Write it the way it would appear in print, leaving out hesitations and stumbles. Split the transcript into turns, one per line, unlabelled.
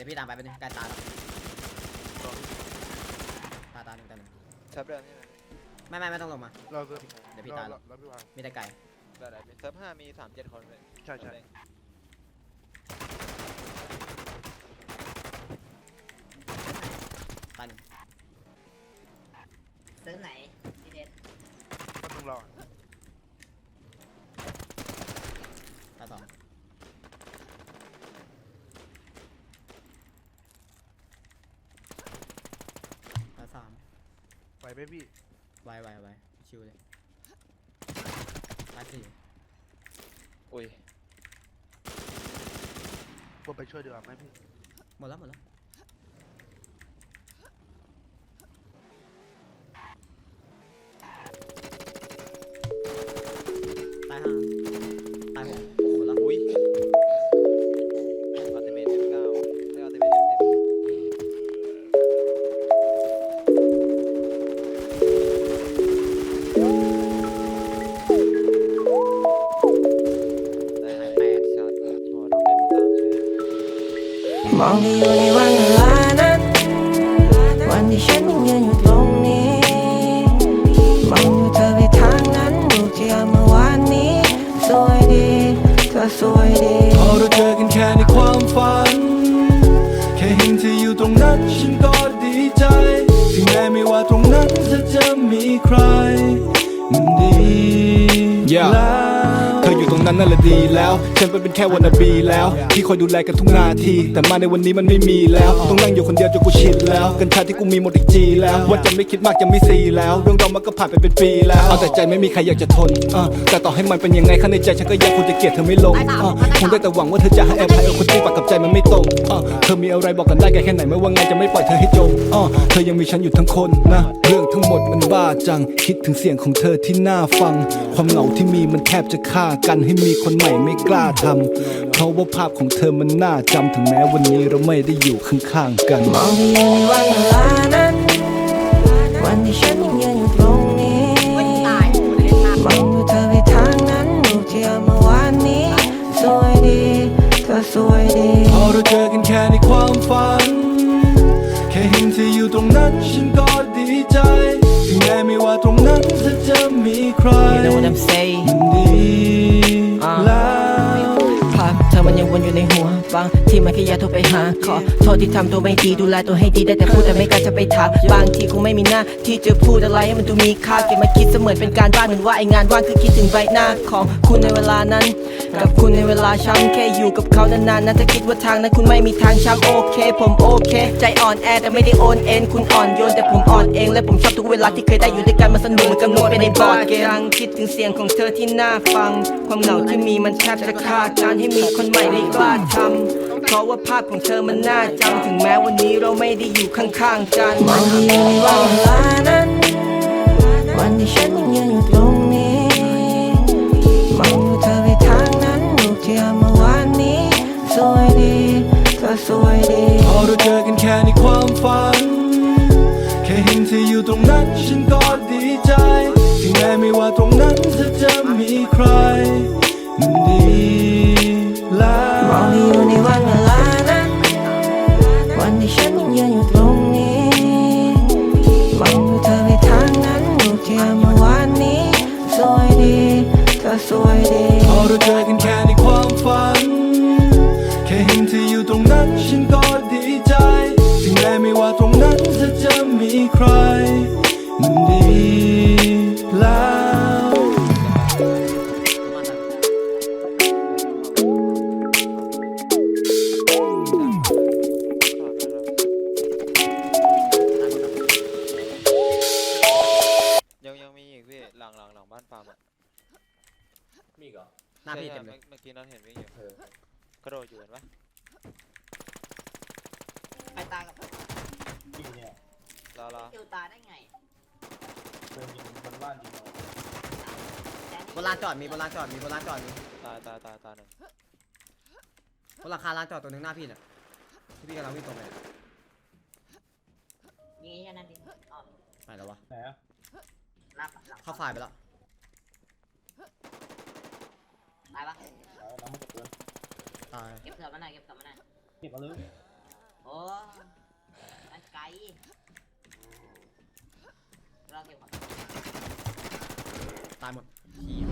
ดี๋ยวพี่ตามไปเป็นงใกล้ตาแล้วตาหนึ่ง
เซิร์ฟเดิมใช่ไหม
ไม่ต้องลงมา
เราเซิร์ฟ
เดี๋ยวพี่ตายแล้ว
เราพี่วาง
มีแต่ไก่
ได้เซิร์ฟ5มี37 คนเลย
ใช่
ตาหนึ่ง
เซิร์ฟไหนพี่เด็ด
ก็ต้องรอ
ตาสองตาสาม
ไหวไหมพี่
ไวชิวเลยตาสี่
อุ้ย
ผมไปช่วยดีกว่าไหมพี่
หมดแล้วตายห้าตายหกโอ้โหแล้ว
อุ้ยอัลติเมท F9 ได้อัลติเมท F10ได้8ช็อตโอ้น้องเล่นมาตามเฉย
มองที่อยู่ในวันเวลานั้นวันที่ฉันยังยืนอยู่ตรงนี้มองดูเธอไปทางนั้นรูปที่เอาเมื่อวานนี้สวยดีเธอสวยดีพอเราเจอกันแค่ในความฝันแค่เห็นเธออยู่ตรงนั้นฉันก็ดีใจถึงแม้ไม่ว่าตรงนั้นจะมีใครมันดีแล้วเธออยู่ตรงนั้นนั่นแหละดีแล้วฉันเป็นแค่วันนาบีแล้วที่คอยดูแลกันทุกนาทีแต่มาในวันนี้มันไม่มีแล้วต้องนั่งอยู่คนเดียวจนกูชินแล้วกัญชาที่กูมีหมดอีกจีแล้วว่าจะไม่คิดมากจะไม่ซีแล้วเรื่องเรามันก็ผ่านไปเป็นปีแล้วเอาแต่ใจไม่มีใครอยากจะทนแต่ต่อให้มันเป็นยังไงข้างในใจฉันก็ยังคงจะเกลียดเธอไม่ลงคงได้แต่หวังว่าเธอจะให้อภัยเอาคนที่ปากกับใจมันไม่ตรงเธอมีอะไรบอกกันได้แค่ไหนไม่ว่าไงจะไม่ปล่อยเธอให้จมเธอยังมีฉันอยู่ทั้งคนนะเรื่องทั้งหมดมันบ้าจังคิดถึงเสียงของเธอที่น่าฟังความเหงาที่มีมันแทบจะฆ่ากันให้มีคนใหม่ไม่กล้าทำเพราะว่าภาพของเธอมันน่าจำถึงแม้วันนี้เราไม่ได้อยู่ข้างๆกันมองที่อยู่ในวันเวลานั้นวันที่ฉันยังยืนอยู่ตรงนี้มองดูเธอไปทางนั้นรูปที่เอาเมื่อวานนี้สวยดีเธอสวยดีพอเราเจอกันแค่ในความฝันแค่เห็นเธออยู่ตรงนั้นฉันก็ดีใจถึงแม้ไม่ว่าตรงนั้นจะมีใคร
You know what I'm saying
มันดีแล้ว
ภาพเธอมันยังวนอยู่ในหัวบางที่มันแค่อยากโทรไปหาขอโทษที่ทำตัวไม่ดีดูแลตัวให้ดีได้แต่พูดแต่ไม่กล้าจะไปถามบางทีคงไม่มีหน้าที่จะพูดอะไรให้มันดูมีค่าเก็บมาคิดเสมือนเป็นการบ้านเหมือนว่าไองานว่างคือคิดถึงใบหน้าของคุณในเวลานั้นกับคุณในเวลาช้ำแค่อยู่กับเขานานๆน่าจะคิดว่าทางนั้นคุณไม่มีทางช้ำโอเคผมโอเคใจอ่อนแอแต่ไม่ได้โอนเอ็นคุณอ่อนโยนแต่ผมอ่อนเองและผมชอบทุกเวลาที่เคยได้อยู่ด้วยกันมาสนุกเหมือนกำหนดไปในบอร์ดเกมคิดถึงเสียงของเธอที่น่าฟังความเหงาที่มีมันแทบจะฆ่าการให้มีคนใหม่ไม่กล้าทำเพราะว่าภาพของเธอมันน่าจำถึงแม้วันนี้เราไม่ได้อยู่ข้างๆกัน
มองที่อยู่ในวันเวลานั้นวันที่ฉันยังยืนอยู่ตรงนี้มองดูเธอไปทางนั้นรูปที่เอาเมื่อวานนี้สวยดีเธอสวยดีพอเราเจอกันแค่ในความฝันแค่เห็นเธออยู่ตรงนั้นฉันก็ดีใจถึงแม้ไม่ว่าตรงนั้นจะมีใครมันดีแล้วมองที่อยู่ในวันเวลานั้นวันที่ฉันยังยืนอยู่ตรงนี้มองดูเธอไปทางนั้นรูปที่เอาเมื่อวานนี้สวยดีเธอสวยดีพอเราเจอกันแค่ในความฝันแค่เห็นเธออยู่ตรงนั้นฉันก็ดีใจถึงแม้ไม่ว่าตรงนั้นจะมีใครมันดีแล้ว
ยังมีอีกพี่หลังบ้านฟาร์มอ่ะ
มีเหรอหน้าพี่เต็มเลย
เมื่อกี้น้องเห็นวิ่งอยู่กระโดดอยู่เห็นปะ
ไปตากับ
รอ
เอวตาได้ไง
บนลานจอดมีตายหนึ่ง
ตายหนึ่ง
บนราคาลานจอดตัวหนึ่งหน้าพี่เนี่ยที่พี่กำลังวิ่งตรงไปเนี่ย
ยิงแค่นั้นดิอ๋อ
ไปแล้ววะ
ไหนอะ
หน้าหลัง
เข้าฝ่ายไปแล้ว
ตายปะ
น้ำมันเกิน
ตาย
เก็บเสือมาหน่อยเก็บเสือมาหน่อย
เก็บมาเลย
โอ้มันไกลเราเก็บของ
ตายหมดเหี้ย